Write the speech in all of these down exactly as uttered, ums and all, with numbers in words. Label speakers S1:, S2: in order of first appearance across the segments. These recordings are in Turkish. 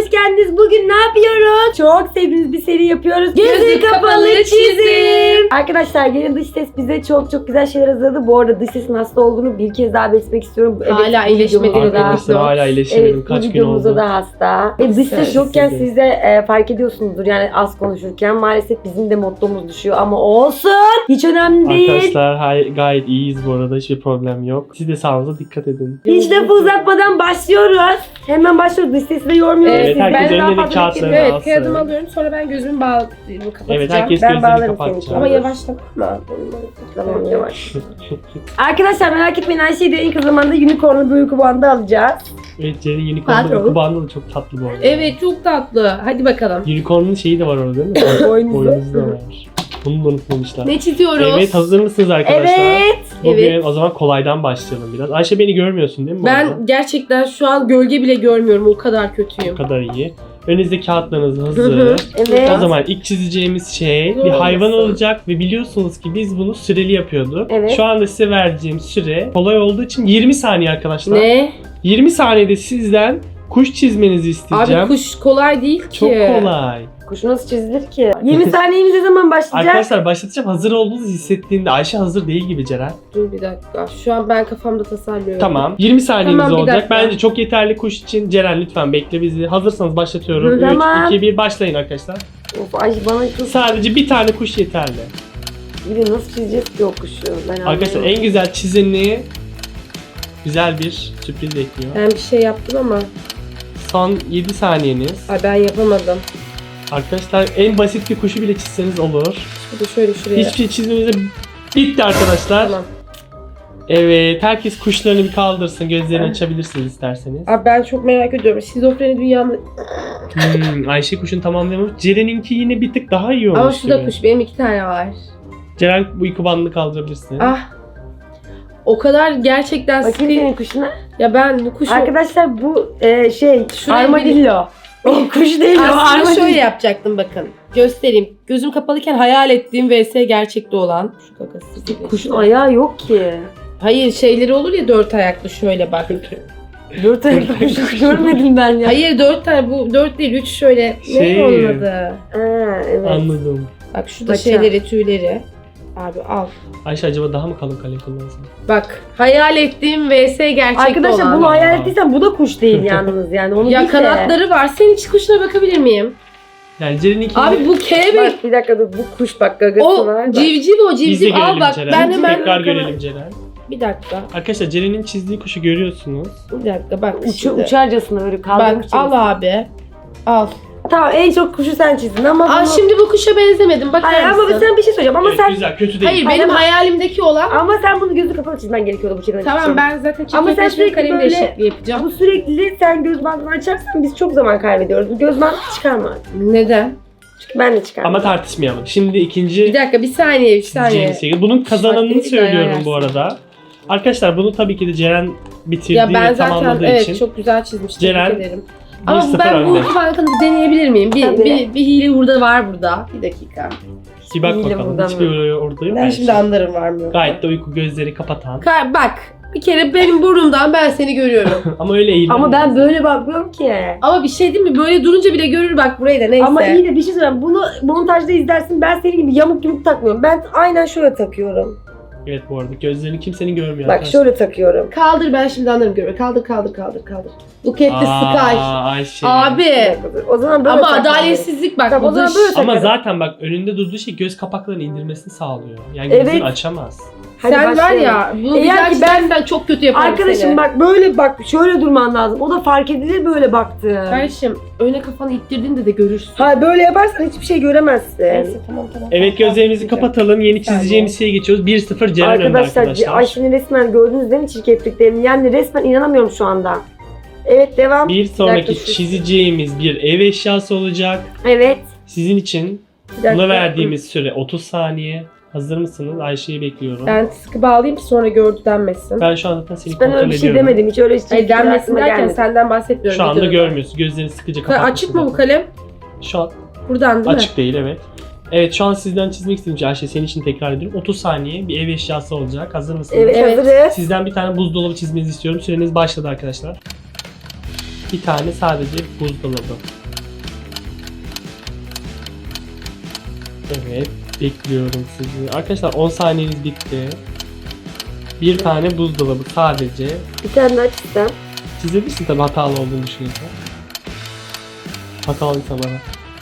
S1: hoş geldiniz. Bugün ne yapıyoruz? Çok sevdiğimiz bir seri yapıyoruz. Gözü,
S2: Gözü
S1: kapalı,
S2: kapalı
S1: çizim.
S2: çizim.
S1: Arkadaşlar gelin dış ses bize çok çok güzel şeyler hazırladı. Bu arada dış sesin hasta olduğunu bir kez daha belirtmek istiyorum.
S2: Hala
S1: bu
S2: iyileşmedi
S1: videomuzda da-
S3: Arkadaşlar hala iyileşemedim.
S1: Evet,
S3: Kaç
S1: bu
S3: gün
S1: videomuzda
S3: oldu.
S1: da hasta. E, dış ses yokken
S3: Size.
S1: siz de e, fark ediyorsunuzdur yani az konuşurken. Maalesef bizim de mottomuz düşüyor ama olsun. Hiç önemli değil.
S3: Arkadaşlar hay- gayet iyiyiz bu arada. Hiçbir problem yok. Siz de sağlığınıza dikkat edin.
S1: Hiç lafı uzatmadan başlıyoruz. Hemen başlıyoruz. Dış sesi de yormuyoruz.
S3: Evet,
S1: Siz-
S3: herkes
S1: ben daha
S3: önüne
S1: fazla
S3: kağıtlarını
S1: beklemeyin.
S2: Evet,
S3: alsın.
S2: kağıdımı alıyorum, sonra ben gözümü bağlayıp kapatacağım.
S3: Evet, herkes
S1: Ben
S3: gözlerini
S1: bağlarım
S3: kapatacak.
S1: seni.
S2: Ama yavaşlama.
S1: Tamam yavaş. Arkadaşlar merak etmeyin, Ayşe'yi de en kısa zamanda unicorn'lu bir uyku bandı alacağız.
S3: Evet, Ceren'in unicorn'un
S2: Patron.
S3: uyku bandı da çok tatlı bu arada.
S2: Evet, çok tatlı. Hadi bakalım.
S3: Unicorn'un şeyi de var orada değil mi?
S1: Boynuzu.
S3: Boynuzu da var. Bunu da unutmamışlar.
S2: Ne çiziyoruz?
S3: Evet, hazır mısınız arkadaşlar?
S1: Evet.
S3: Bugün
S2: Evet.
S3: o zaman kolaydan başlayalım biraz. Ayşe, beni görmüyorsun değil mi bu
S2: Ben
S3: arada?
S2: gerçekten şu an gölge bile görmüyorum. O kadar kötüyüm.
S3: O kadar iyi. Önünüzde kağıtlarınız
S2: Hı hı.
S3: hazır.
S1: Evet.
S3: O zaman ilk çizeceğimiz şey
S2: Zor
S3: bir hayvan
S2: olmasın.
S3: olacak ve biliyorsunuz ki biz bunu süreli yapıyorduk.
S1: Evet.
S3: Şu anda size vereceğim süre kolay olduğu için yirmi saniye arkadaşlar.
S2: Ne?
S3: yirmi saniyede sizden kuş çizmenizi isteyeceğim.
S2: Abi kuş kolay değil ki.
S3: Çok kolay.
S1: Kuşu nasıl çizilir ki? yirmi saniyemiz ne zaman başlayacak?
S3: Arkadaşlar başlatacağım. Hazır olduğunuzu hissettiğinde Ayşe hazır değil gibi Ceren.
S2: Dur bir dakika. Şu an ben kafamda tasarlıyorum.
S3: Tamam. yirmi saniyemiz
S2: Tamam, bir
S3: olacak.
S2: dakika.
S3: Bence çok yeterli kuş için. Ceren lütfen bekle bizi. Hazırsanız başlatıyorum.
S1: Hı, tamam.
S3: üç, iki, bir başlayın arkadaşlar.
S1: Of Ayşe bana çok...
S3: Sadece bir tane kuş yeterli.
S1: Bir de nasıl çizeceğiz ki o kuşu? Ben
S3: Arkadaşlar
S1: anlamıyorum.
S3: en güzel çizeni güzel bir sürpriz bekliyor.
S2: Ben bir şey yaptım ama.
S3: Son yedi saniyeniz.
S2: Ay ben yapamadım.
S3: Arkadaşlar en basit bir kuşu bile çizseniz olur.
S2: Bir de şöyle şuraya.
S3: Hiçbir şey çizmemize bitti arkadaşlar.
S2: Tamam.
S3: Evet, herkes kuşlarını bir kaldırsın. Gözlerini açabilirsiniz isterseniz.
S2: Abi ben çok merak ediyorum. Şizofreni dünyamda...
S3: Hmm, Ayşe kuşunu tamamlayamamış. Ceren'inki yine bir tık daha iyi olmuş
S2: Ama şu da
S3: gibi.
S2: kuş. Benim iki tane var.
S3: Ceren bu uyku bandını kaldırabilirsin.
S2: Ah. O kadar gerçekten
S1: Bakayım
S2: sıkı...
S1: senin kuşuna.
S2: Ya ben bu kuşu...
S1: Arkadaşlar bu e, şey
S2: Şuraya
S1: armadillo. O kuş değil o
S2: Aslında
S1: armadillo.
S2: şöyle yapacaktım bakın. Göstereyim. Gözüm kapalıyken hayal ettiğim vs gerçekte olan. Şu kakası gibi
S1: Kuşun
S2: işte.
S1: ayağı yok ki.
S2: Hayır şeyleri olur ya dört ayaklı şöyle bak.
S1: Dört ayaklı kuş hiç görmedim ben ya.
S2: Hayır dört tane bu dört değil üç şöyle.
S3: Şey-
S2: Ne onun adı?
S1: Ha, evet.
S3: Anladım.
S2: Bak şu da
S1: Paça.
S2: şeyleri tüyleri. Abi al.
S3: Ayşe acaba daha mı kalın kalem kullansın?
S2: Bak hayal ettiğim vs gerçekte
S1: Arkadaşlar
S2: olan.
S1: bunu hayal ettiysen bu da kuş değil yalnız yani. Onu
S2: Ya
S1: bil de.
S2: kanatları var. Senin hiç kuşuna bakabilir miyim?
S3: Yani Ceren'inki...
S2: Abi bu kelebek.
S1: Bak bir dakika dur bu kuş bak gagası
S2: O
S1: var. Bak.
S2: civciv o
S3: Biz de
S2: civciv. Al
S3: görelim
S2: bak
S3: Ceren.
S2: ben hemen.
S3: Tekrar görelim Ceren.
S2: Bir dakika.
S3: Arkadaşlar Ceren'in çizdiği kuşu görüyorsunuz.
S2: Bir dakika bak.
S1: Uçu,
S2: şimdi.
S1: uçarcasına böyle kaldırmış.
S2: Bak al abi. Al.
S1: Tamam en çok kuşu sen çizdin ama
S2: Aa
S1: bunu...
S2: şimdi bu kuşa benzemedim. Bakar
S1: Hayır ama
S2: mısın?
S1: sen bir şey söyleyeceğim ama
S3: Evet,
S1: sen...
S3: güzel, kötü değil.
S2: Hayır
S1: Hayır
S2: benim
S1: ama-
S2: hayalimdeki olan.
S1: Ama sen bunu gözü kapalı çizmen gerekiyordu bu şekilde.
S2: Tamam ben zaten
S1: Ama sen
S2: çiftleşme
S1: sürekli
S2: kalemle
S1: böyle-
S2: eşitli yapacağım.
S1: Bu sürekli sen göz bandını açarsan biz çok zaman kaybediyoruz. Bu göz bandı çıkarma.
S2: Neden?
S1: Çünkü ben de çıkarmam.
S3: Ama tartışmayalım. Şimdi
S2: Bir
S3: ikinci
S2: dakika bir saniye bir saniye.
S3: çizeceğimiz şey. Bunun kazananını
S2: Saatleri
S3: söylüyorum
S2: dayağı
S3: bu arada. Arkadaşlar bunu tabii ki de Ceren bitirdi
S2: Ya ben
S3: ve
S2: zaten
S3: tamamladığı
S2: evet
S3: için
S2: çok güzel çizmiştim.
S3: Ceren,
S2: Tebrik ederim. Ama
S3: bir sıfır
S2: ben bu
S3: önde.
S2: uyku bankını bir deneyebilir miyim? Bir,
S1: Tabii.
S2: bir, bir hile hurda var burada. Bir dakika.
S3: Bir bak
S1: İyi de
S3: bakalım.
S1: buradan
S3: Hiçbir orada orada yok.
S2: Ben
S3: Ayşe.
S2: şimdi anlarım var mı yok. mu?
S3: Gayet de uyku gözleri kapatan.
S2: Ka- Bak bir kere benim burnumdan ben seni görüyorum.
S3: Ama öyle eğilim.
S1: Ama ben böyle bakmıyorum ki.
S2: Ama bir şey değil mi? Böyle durunca bile görür bak burayı da neyse.
S1: Ama iyi de bir şey söyleyeyim. Bunu montajda izlersin. Ben senin gibi yamuk yumuk takmıyorum. Ben aynen şöyle takıyorum.
S3: Evet bu arada gözlerini kimsenin görmüyor.
S1: Bak
S3: arkadaşlar.
S1: şöyle takıyorum.
S2: Kaldır ben şimdi anlarım görüyor. Kaldır kaldır kaldır kaldır. Look at the sky.
S3: Aa, Ayşe.
S2: Abi.
S1: Bir dakika dur. O zaman böyle
S2: Ama
S1: takmam
S2: adaletsizlik bak.
S1: Tamam, o
S2: bu
S1: zaman
S2: dış.
S1: böyle
S3: Ama
S1: takarım.
S3: zaten bak önünde durduğu şey göz kapaklarını indirmesini sağlıyor. Yani
S1: Evet.
S3: gözünü açamaz.
S1: Hadi
S2: Sen var
S1: başlayalım.
S2: ya bunu
S1: Eğer
S2: güzel
S1: ki ben-
S2: çizersen çok kötü yaparım
S1: Arkadaşım
S2: seni.
S1: bak böyle bak şöyle durman lazım. O da fark edilir böyle baktı.
S2: Kardeşim öne kafanı ittirdiğinde de görürsün.
S1: Ha böyle yaparsan hiçbir şey göremezsin.
S2: Neyse tamam tamam.
S3: Evet
S2: tamam,
S3: gözlerimizi
S2: tamam.
S3: kapatalım. Yeni
S2: saniye.
S3: çizeceğimiz şeye geçiyoruz. bir sıfır Ceren önde
S1: Arkadaşlar,
S3: arkadaşlar.
S1: Ayşe'nin resmen gördünüz değil mi çirkefliklerini? Yani resmen inanamıyorum şu anda. Evet devam.
S3: Bir sonraki
S2: dakika, şu-
S3: çizeceğimiz bir ev eşyası olacak.
S1: Evet.
S3: Sizin için
S1: Bir dakika.
S3: buna verdiğimiz süre otuz saniye. Hazır mısınız? Ayşe'yi bekliyorum. Ben,
S2: Ben sıkı bağlayayım ki sonra gördü denmesin.
S3: şu an zaten seni
S1: Ben
S3: kontrol
S1: öyle bir şey
S3: ediyorum.
S1: demedim. Hiç öyle
S2: Hayır
S1: çirkeflikler
S2: denmesin
S1: aklıma
S2: derken
S1: gelmedi.
S2: senden bahsetmiyorum.
S3: Şu anda
S2: videoda.
S3: görmüyorsun. Gözlerini sıkıca
S2: Ka-
S3: kapatmışsın.
S2: Açık mı bu kalem?
S3: Şu an
S2: Buradan değil
S3: açık değil, evet. Evet şu an sizden çizmek istediğim şey Ayşe senin için tekrar ediyorum. otuz saniye bir ev eşyası olacak. Hazır mısınız?
S1: Evet,
S2: Evet.
S1: hazırız.
S3: Sizden bir tane buzdolabı çizmenizi istiyorum. Süreniz başladı arkadaşlar. Bir tane sadece buzdolabı. Evet, bekliyorum sizi. Arkadaşlar on saniyeniz bitti. Bir tane buzdolabı sadece.
S1: Bir tane daha çizsem.
S3: Çizebilirsin tabi hatalı olduğunu düşünüyorsan. Hatalıysa bana.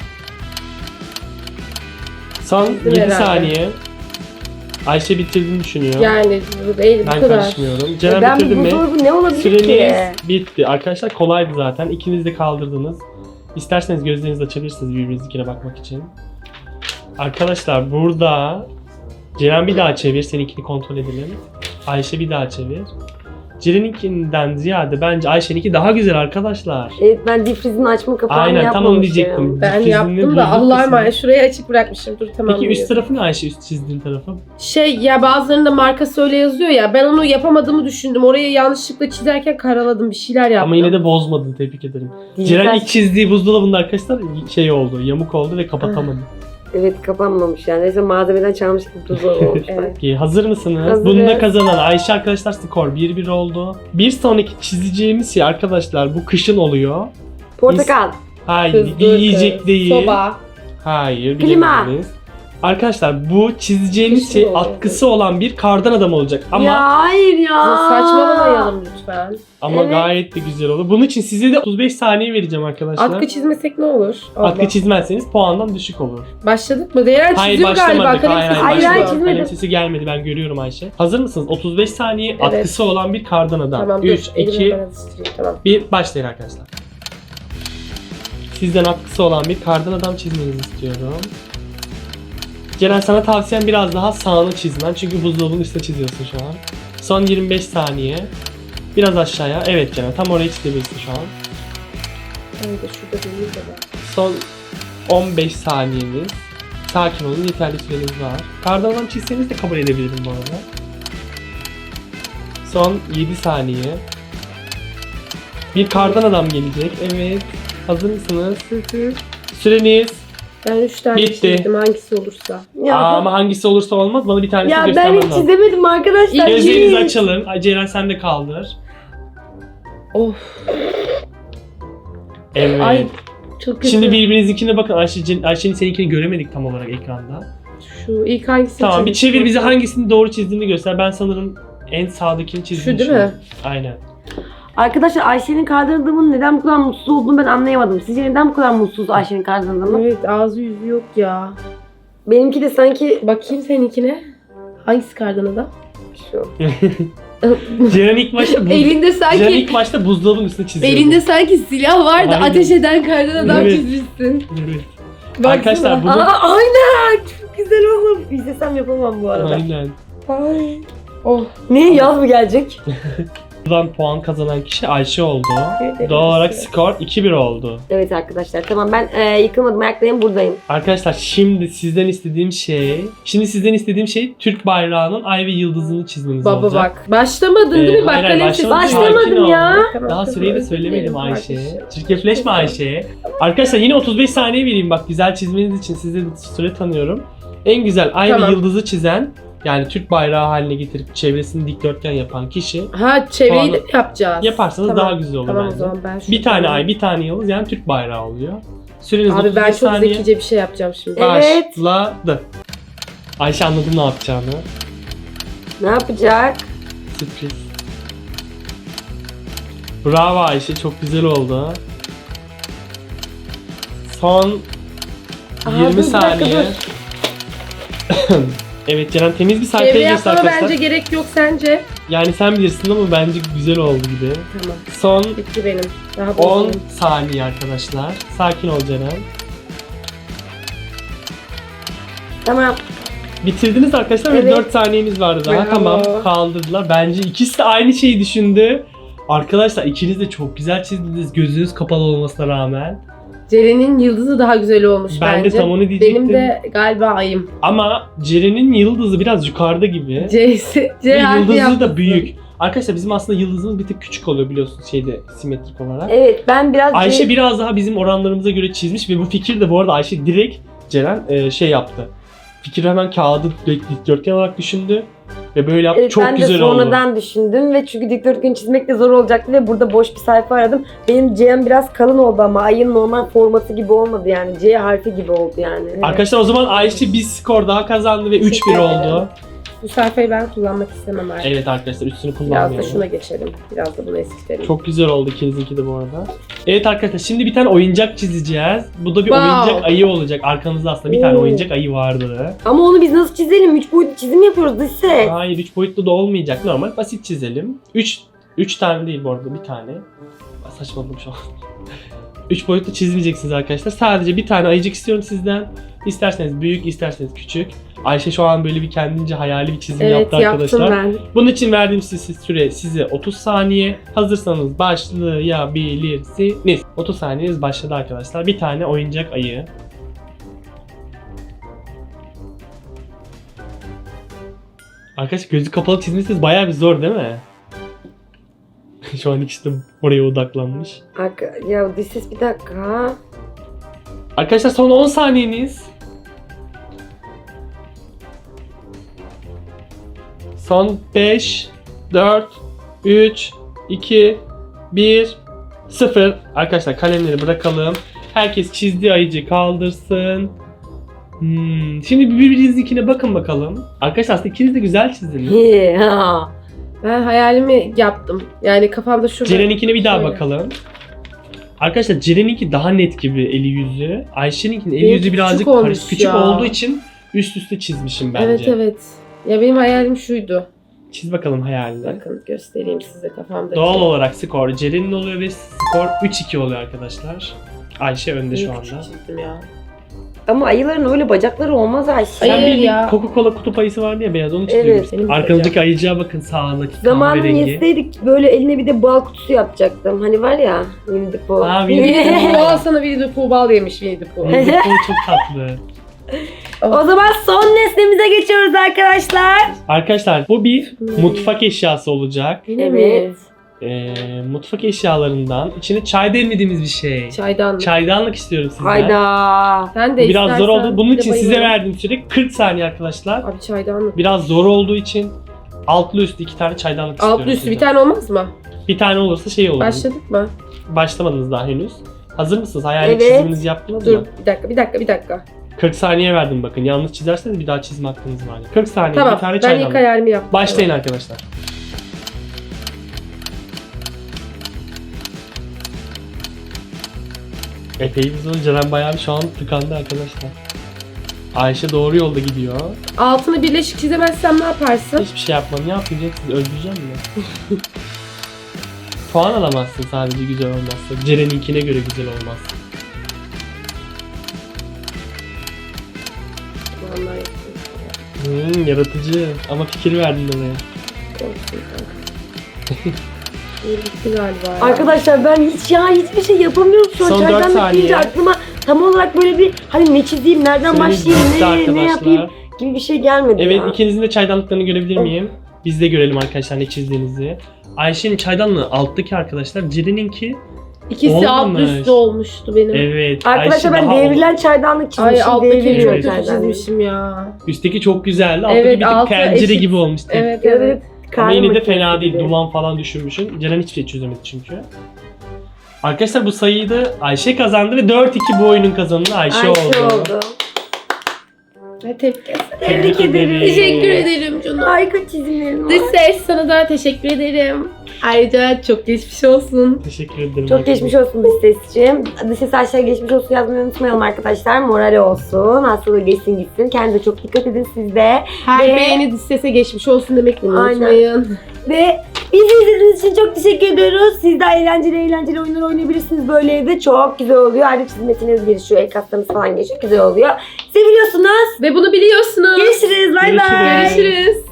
S3: Son
S2: Çizdim
S3: yedi
S2: herhalde.
S3: saniye. Ayşe bitirdiğini düşünüyor.
S2: Yani bu değil bu
S3: ben
S2: kadar.
S3: karışmıyorum. Ceren
S1: Ben
S3: bitirdin
S1: bu
S3: mi?
S1: buzdolabı ne olabilir
S3: Süreniz
S1: ki?
S3: bitti. Arkadaşlar kolaydı zaten. İkiniz de kaldırdınız. İsterseniz gözlerinizi açabilirsiniz birbirinizinkine bakmak için. Arkadaşlar burada Ceren bir daha çevir. Seninkini kontrol edelim. Ayşe bir daha çevir. Ceren'inkinden ziyade bence Ayşe'ninki daha güzel arkadaşlar.
S1: Evet, ben difrizin açma kapağını
S3: Aynen tam onu
S1: yapmamışım.
S3: diyecektim.
S2: Ben
S3: Difrizini
S2: yaptım
S3: duyduk
S2: da Allah'a
S3: kesin.
S2: emanet. Şurayı açık bırakmışım. Dur tamam.
S3: Peki üst
S2: biliyorum.
S3: tarafı ne Ayşe, üst çizdiğin tarafı?
S2: Şey ya bazılarında markası öyle yazıyor ya. Ben onu yapamadığımı düşündüm. Orayı yanlışlıkla çizerken karaladım. Bir şeyler yaptım.
S3: Ama yine de bozmadın, tebrik ederim.
S1: Dijital-
S3: Ceren ilk çizdiği buzdolabında arkadaşlar şey oldu, yamuk oldu ve kapatamadı.
S1: Evet, kapanmamış yani. Neyse malzemeden çalmış gibi buzdolabı olmuş.
S2: Evet.
S3: Peki hazır mısınız?
S1: Hazırız.
S3: Bunda kazanan Ayşe arkadaşlar, skor bir bir oldu. Bir sonraki çizeceğimiz şey arkadaşlar bu kışın oluyor.
S1: Portakal.
S3: Hayır,
S2: Kızdır
S3: yiyecek
S2: kız,
S3: değil.
S2: Soba.
S3: Hayır,
S1: Klima.
S3: bilemediniz. Arkadaşlar bu çizeceğimiz
S2: Kışın
S3: şey
S2: oluyor.
S3: atkısı olan bir kardan adam olacak ama
S1: Ya hayır ya.
S2: Saçmalamayalım lütfen.
S3: ama
S1: Evet.
S3: gayet de güzel olur. Bunun için size de otuz beş saniye vereceğim arkadaşlar.
S2: Atkı çizmesek ne olur?
S3: Atkı
S2: Allah.
S3: çizmezseniz puandan düşük olur.
S2: Başladık mı? Değer
S3: Hayır
S2: çiziyor galiba.
S3: başlamadık.
S2: Kalem
S3: Hayır hayır,
S2: sesi
S1: Hayır,
S2: başlıyor.
S1: hayır,
S3: başlamadık.
S1: çizmedim.
S3: Kalem sesi gelmedi, ben görüyorum Ayşe. Hazır mısınız? otuz beş saniye
S2: Evet.
S3: atkısı olan bir kardan adam.
S2: Tamam
S3: üç,
S2: dur. Elimi
S3: iki,
S2: hemen alıştırayım. Tamam.
S3: bir başlayın arkadaşlar. Sizden atkısı olan bir kardan adam çizmenizi istiyorum. Ceren sana tavsiyem biraz daha sağını çizmen. Çünkü buzdolabının üstüne çiziyorsun şu an. Son yirmi beş saniye. Biraz aşağıya. Evet Ceren, tam oraya çizebilirsin şu an.
S2: Ben de şurada değil de ben.
S3: Son on beş saniyeniz. Sakin olun, yeterli süreniz var. Kardan adam çizseniz de kabul edebilirim bu arada. Son yedi saniye. Bir kardan adam gelecek. Evet. Hazır mısınız? Süreniz.
S2: Ben üç tane
S3: Bitti.
S2: çizdim hangisi olursa.
S1: Ya,
S3: Aa, ama hangisi olursa olmaz. Bana bir tanesini
S1: ya ben
S3: göstermen
S1: hiç
S3: lazım.
S1: çizemedim arkadaşlar.
S3: Gözlerinizi
S1: Hiç.
S3: açalım. Ay, Ceren sen de kaldır.
S2: Of.
S3: Evet.
S2: Ay çok kötü.
S3: Şimdi birbirinizinkine bakın. Ayşe, Ayşe'nin seninkini göremedik tam olarak ekranda.
S2: Şu ilk hangisini
S3: Tamam bir
S2: çizdim?
S3: çevir bize hangisini doğru çizdiğini göster. Ben sanırım en sağdakini çizdiğini
S2: Şu değil mi?
S3: düşünüyorum. Aynen.
S1: Arkadaşlar Ayşe'nin kardan adamın neden bu kadar mutsuz olduğunu ben anlayamadım. Sizce neden bu kadar mutsuz Ayşe'nin kardan adamı?
S2: Evet ağzı yüzü yok ya.
S1: Benimki de sanki
S2: Bakayım seninkine. Hangisi kardan adam?
S1: şu.
S3: Ceren ilk başta buz...
S2: Elinde
S3: Ceren
S2: sanki
S3: ilk başta buzdolabının üstüne çiziyordu.
S2: elinde sanki silah var da
S3: Aynen.
S2: ateş eden kardan adam
S3: Evet.
S2: çizmişsin.
S3: Evet.
S2: Baksana.
S3: Arkadaşlar bunu...
S1: Aa, aynen. Çok güzel oğlum. İstesem yapamam bu arada.
S3: Aynen.
S2: Ay. Oh.
S1: Ne, yaz mı gelecek?
S3: Buradan puan kazanan kişi Ayşe oldu.
S2: Evet,
S3: Doğal olarak
S2: evet.
S3: skor iki bir oldu.
S1: Evet arkadaşlar, tamam ben e, yıkılmadım, ayaktayım, buradayım.
S3: Arkadaşlar şimdi sizden istediğim şey... Şimdi sizden istediğim şey Türk bayrağının ay ve yıldızını çizmeniz
S2: Baba
S3: olacak.
S2: bak. Başlamadın
S3: Ee,
S2: değil mi? Bak
S3: hayır, hayır,
S2: kalem sesi.
S3: başlamadım.
S1: Başlamadım
S3: Sakin ol.
S1: ya.
S2: Tamam,
S3: Daha
S2: tamam,
S3: süreyi de
S2: özür
S3: söylemedim
S2: dilerim
S3: Ayşe.
S2: kardeşim.
S3: Çirkefleşme Ayşe. Arkadaşlar yine otuz beş saniye vereyim bak, güzel çizmeniz için size de süre tanıyorum. En güzel ay
S2: Tamam.
S3: ve yıldızı çizen, yani Türk bayrağı haline getirip çevresini dikdörtgen yapan kişi
S2: Ha çevreyi
S3: Puanı
S2: de mi yapacağız?
S3: yaparsanız
S2: Tamam.
S3: daha güzel olur
S2: Tamam o
S3: bence.
S2: zaman ben şu
S3: Bir tane ay, bir tane yıldız, yani Türk bayrağı oluyor. Süreniz
S2: Abi
S3: otuz
S2: ben
S3: beş
S2: çok
S3: saniye.
S2: zekice bir şey yapacağım şimdi.
S1: Evet.
S3: Başladı. Ayşe anladım ne yapacağını.
S1: Ne yapacak?
S3: Sürpriz. Bravo Ayşe, çok güzel oldu. Son
S1: Aa,
S3: yirmi
S1: dur, bir dakika,
S3: saniye. Evet Ceren, temiz bir sayfaya
S2: Çevre
S3: geçti
S2: yapmana
S3: arkadaşlar.
S2: bence gerek yok sence.
S3: Yani sen bilirsin ama bence güzel oldu gibi.
S2: Tamam.
S3: Son
S2: Bitti benim. Daha
S3: on
S2: bozuldu.
S3: saniye arkadaşlar. Sakin ol Ceren.
S1: Tamam.
S3: Bitirdiniz arkadaşlar ve
S1: Evet.
S3: dört saniyeniz vardı daha.
S2: Bravo.
S3: Tamam, kaldırdılar. Bence ikisi de aynı şeyi düşündü. Arkadaşlar ikiniz de çok güzel çizdiniz gözünüz kapalı olmasına rağmen.
S2: Ceren'in yıldızı daha güzel olmuş
S3: Ben
S2: bence.
S3: de tam onu diyecektim.
S2: Benim de galiba ayım.
S3: Ama Ceren'in yıldızı biraz yukarıda gibi.
S2: C'si.
S3: Ve
S2: C harfi
S3: yıldızı
S2: yapmışsın.
S3: da büyük. Arkadaşlar bizim aslında yıldızımız bir tık küçük oluyor biliyorsunuz şeyde, simetrik olarak.
S1: Evet, ben biraz...
S3: Ayşe biraz daha bizim oranlarımıza göre çizmiş ve bu fikir de bu arada Ayşe direkt Ceren e, şey yaptı. Fikri hemen kağıdı dikdörtgen olarak düşündü. Ve böyle yaptı.
S1: Evet,
S3: Çok
S1: ben
S3: güzel
S1: de
S3: oldu.
S1: sonradan düşündüm ve çünkü dikdörtgen çizmek de zor olacaktı ve burada boş bir sayfa aradım. Benim C'm biraz kalın oldu ama ayın normal forması gibi olmadı yani. C harfi gibi oldu yani.
S3: Arkadaşlar o zaman Ayşe bir skor daha kazandı ve üç bir
S2: Teşekkür ederim.
S3: oldu.
S2: Bu sayfayı ben kullanmak istemem artık.
S3: Evet arkadaşlar üstünü
S2: Biraz
S3: kullanmayalım.
S2: da şuna geçelim. Biraz da bunu eskitelim.
S3: Çok güzel oldu ikinizinki de bu arada. Evet arkadaşlar şimdi bir tane oyuncak çizeceğiz. Bu da bir
S2: Wow.
S3: oyuncak ayı olacak. Arkanızda aslında bir tane
S1: Oo.
S3: oyuncak ayı vardı.
S1: Ama onu biz nasıl çizelim? Üç boyutlu çizim yapıyoruz dış ses.
S3: Hayır üç boyutlu da olmayacak. Normal basit çizelim. üç üç tane değil bu arada bir tane. Saçmaladım şu an. üç boyutlu çizmeyeceksiniz arkadaşlar. Sadece bir tane ayıcık istiyorum sizden. İsterseniz büyük, isterseniz küçük. Ayşe şu an böyle bir kendince hayali bir çizim
S2: Evet
S3: yaptı arkadaşlar.
S2: yaptım ben.
S3: Bunun için verdiğim size süre size otuz saniye. Hazırsanız başlayabilirsiniz. otuz saniyeniz başladı arkadaşlar. Bir tane oyuncak ayı. Arkadaşlar gözü kapalı çizmişsiniz bayağı bir zor değil mi? Şu an ikisi de oraya odaklanmış.
S1: Arka, ya dış ses bir dakika.
S3: Arkadaşlar son on saniyeniz. Son beş, dört, üç, iki, bir, sıfır. Arkadaşlar kalemleri bırakalım. Herkes çizdiği ayıcı kaldırsın. Hmm. Şimdi birbirinizinkine bakın bakalım. Arkadaşlar aslında ikiniz de güzel çizdiniz.
S1: He, ha.
S2: Ben hayalimi yaptım. Yani kafamda şurada.
S3: Ceren'inkine bir daha
S2: Şöyle.
S3: bakalım. Arkadaşlar Ceren'inki daha net gibi eli yüzü. Ayşe'ninkinin eli
S2: Benimki
S3: yüzü birazcık
S2: küçük olmuş
S3: karışık. Küçük
S2: ya.
S3: olduğu için üst üste çizmişim bence.
S2: Evet evet. Ya benim hayalim şuydu.
S3: Çiz bakalım hayalini.
S2: Bakın göstereyim size kafamdaki.
S3: Doğal olarak skor Ceren'in oluyor ve skor üç iki oluyor arkadaşlar. Ayşe önde şu
S2: Niye
S3: anda.
S2: küçük çizdim ya.
S1: Ama ayıların öyle bacakları olmaz Ayşe.
S3: Sen
S2: Hayır
S3: bir
S2: ya.
S3: Coca-Cola kutup ayısı vardı ya beyaz onu
S1: Evet,
S3: çiziyorsun.
S2: benim
S3: Arkanızdaki ayıcığa bakın sağındaki
S1: Zamanını
S3: kahverengi.
S1: yeseydik böyle eline bir de bal kutusu yapacaktım. Hani var ya Winnie the Pooh.
S3: Aa, Winnie the
S2: Winnie the
S3: Pooh.
S2: Pooh sana Winnie the Pooh bal yemiş Winnie the Pooh.
S3: Winnie the Pooh çok tatlı.
S1: O zaman son nesnemize geçiyoruz arkadaşlar.
S3: Arkadaşlar bu bir mutfak eşyası olacak.
S2: Yine
S1: Evet.
S2: mi?
S3: Ee, mutfak eşyalarından içine çay demlediğimiz bir şey.
S2: Çaydanlık.
S3: Çaydanlık istiyorum sizden.
S1: Hayda.
S2: Sen de
S3: Biraz zor
S2: istersen
S3: oldu. Bunun
S2: bir de
S3: için size
S2: bayılırım.
S3: verdiğim süre kırk saniye arkadaşlar.
S2: Abi çaydanlık.
S3: Biraz zor olduğu için altlı üstü iki tane çaydanlık istiyorum.
S2: Altlı üstü bir
S3: sizden.
S2: tane olmaz mı?
S3: Bir tane olursa şey olur.
S2: Başladık mı?
S3: Başlamadınız daha henüz. Hazır mısınız? Hayal
S1: Evet.
S3: çiziminizi yaptınız
S2: Dur
S3: mı?
S2: bir dakika bir dakika bir dakika.
S3: kırk saniye verdim bakın. Yanlış çizerseniz bir daha çizme hakkınız var. kırk saniye
S2: Tamam
S3: bir tane
S2: ben ilk
S3: çaydanlık.
S2: hayalimi yaptım.
S3: Başlayın arkadaşlar. Epey bir zor. Ceren bayağı bir şu an tıkandı arkadaşlar. Ayşe doğru yolda gidiyor.
S2: Altını birleşik çizemezsem ne yaparsın?
S3: Hiçbir şey yapmam. Ne yapacak? Sizi öldüreceğim mi? Puan alamazsın sadece güzel olmazsa. Ceren'inkine göre güzel olmaz.
S2: Vallahi yaptım.
S3: Hmm, yaratıcı. Ama fikir verdin oraya.
S2: Korktum kanka. İyi bitti galiba ya.
S1: Arkadaşlar ben hiç ya hiçbir şey yapamıyorum şu an.
S3: Son dört
S1: Çaydanlık
S3: saniye.
S1: deyince aklıma tam olarak böyle bir hani ne çizeyim, nereden
S3: Süreniz
S1: başlayayım,
S3: bitti
S1: ne, ne
S3: arkadaşlar.
S1: yapayım gibi bir şey gelmedi
S3: Evet
S1: ya.
S3: ikinizin de çaydanlıklarını görebilir miyim? Biz de görelim arkadaşlar ne çizdiğinizi. Ayşe'nin çaydanlığı alttaki arkadaşlar. Ceren'inki
S2: İkisi alt
S3: Olmamış.
S2: üstte olmuştu benim.
S3: evet.
S1: Arkadaşlar
S3: Ayşe
S1: ben
S3: daha
S1: devrilen çaydanlık
S2: Ay
S1: çizmişim.
S2: alttakini
S1: Devriliyor
S2: çok kötü
S1: çaydanlık.
S2: çizmişim ya.
S3: Üstteki çok güzeldi. Alttaki
S2: Evet,
S3: bir tık
S2: altı
S3: pencere
S2: eşit.
S3: gibi olmuştu.
S2: Evet evet.
S1: Evet.
S3: Ama yine de
S1: karma
S3: fena
S1: makinesi
S3: değil.
S1: gibi.
S3: Duman falan düşürmüşsün. Ceren hiçbir şey çözemedi çünkü. Arkadaşlar bu sayıyı da Ayşe kazandı ve dört iki bu oyunun kazananı Ayşe,
S1: Ayşe
S3: oldu.
S1: oldu.
S2: Ve tebrik ederim.
S1: Tebrik ederim.
S2: Teşekkür ederim canım.
S1: Harika çizimlerin var.
S2: Dış ses sana da teşekkür ederim. Ayrıca çok geçmiş olsun.
S3: Teşekkür ederim.
S1: Çok geçmiş olsun dış sesciğim. Dış ses aşağıya geçmiş olsun yazmayı unutmayalım arkadaşlar. Morali olsun. Hastalığı geçsin gitsin. Kendinize çok dikkat edin siz de.
S2: Her
S1: Ve-
S2: beğeni dış sese geçmiş olsun demek
S1: Aynen.
S2: unutmayın.
S1: Ve bizi izlediğiniz için çok teşekkür ediyoruz. Siz de eğlenceli eğlenceli oyunlar oynayabilirsiniz böyle evde. Çok güzel oluyor. Ayrıca çizmesiniz gelişiyor. El kaslarınız falan geçiyor. Güzel oluyor. Seviliyorsunuz.
S2: Ve bunu biliyorsunuz.
S1: Görüşürüz. Bay bay.
S3: Görüşürüz.
S2: Görüşürüz.